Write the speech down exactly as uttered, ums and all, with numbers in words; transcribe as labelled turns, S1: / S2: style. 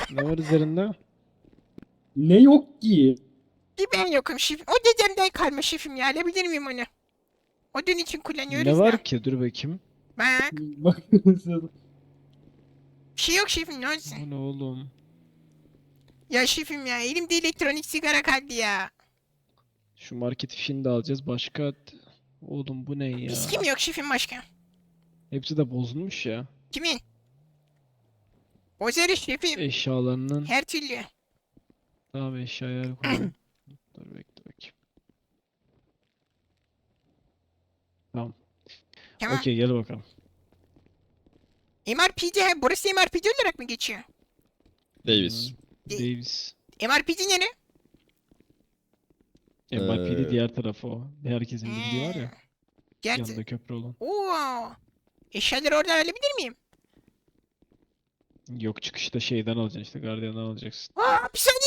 S1: Ne var üzerinde?
S2: Ne yok ki?
S3: Bir ben yokum şefim. O dedemden kalma şefim ya. Alabilir miyim onu? Odun için
S1: Ne
S3: kullanıyoruz da.
S1: var ki? Dur bakayım.
S3: Bak.
S2: Bak
S3: Bir şey yok şefim ne olsun.
S1: Bu ne oğlum?
S3: Ya şefim ya elimde elektronik sigara kaldı ya.
S1: Şu market fişini de alacağız. Başka... Oğlum bu ne ya?
S3: Viski mi yok şefim başka?
S1: Hepsi de bozulmuş ya.
S3: Kimin? Bozarız şefim.
S1: Eşyalarının...
S3: Her türlü.
S1: Tamam eşyaya koyalım. Dur bekle bakayım. Tamam.
S3: Tamam.
S1: Okey gel bakalım.
S3: M R P D ha, burası M R P D olarak mı geçiyor?
S4: Davis.
S1: Hmm, Davis.
S3: M R P D nere?
S1: M I P de
S4: Ee,
S1: diğer tarafı o. Herkesin bildiği var ya.
S3: Gerçi.
S1: Yanında köprü olan.
S3: Oo. Eşyaları oradan alabilir miyim?
S1: Yok çıkışta şeyden alacaksın işte gardiyandan alacaksın.
S3: Aa, bir saniye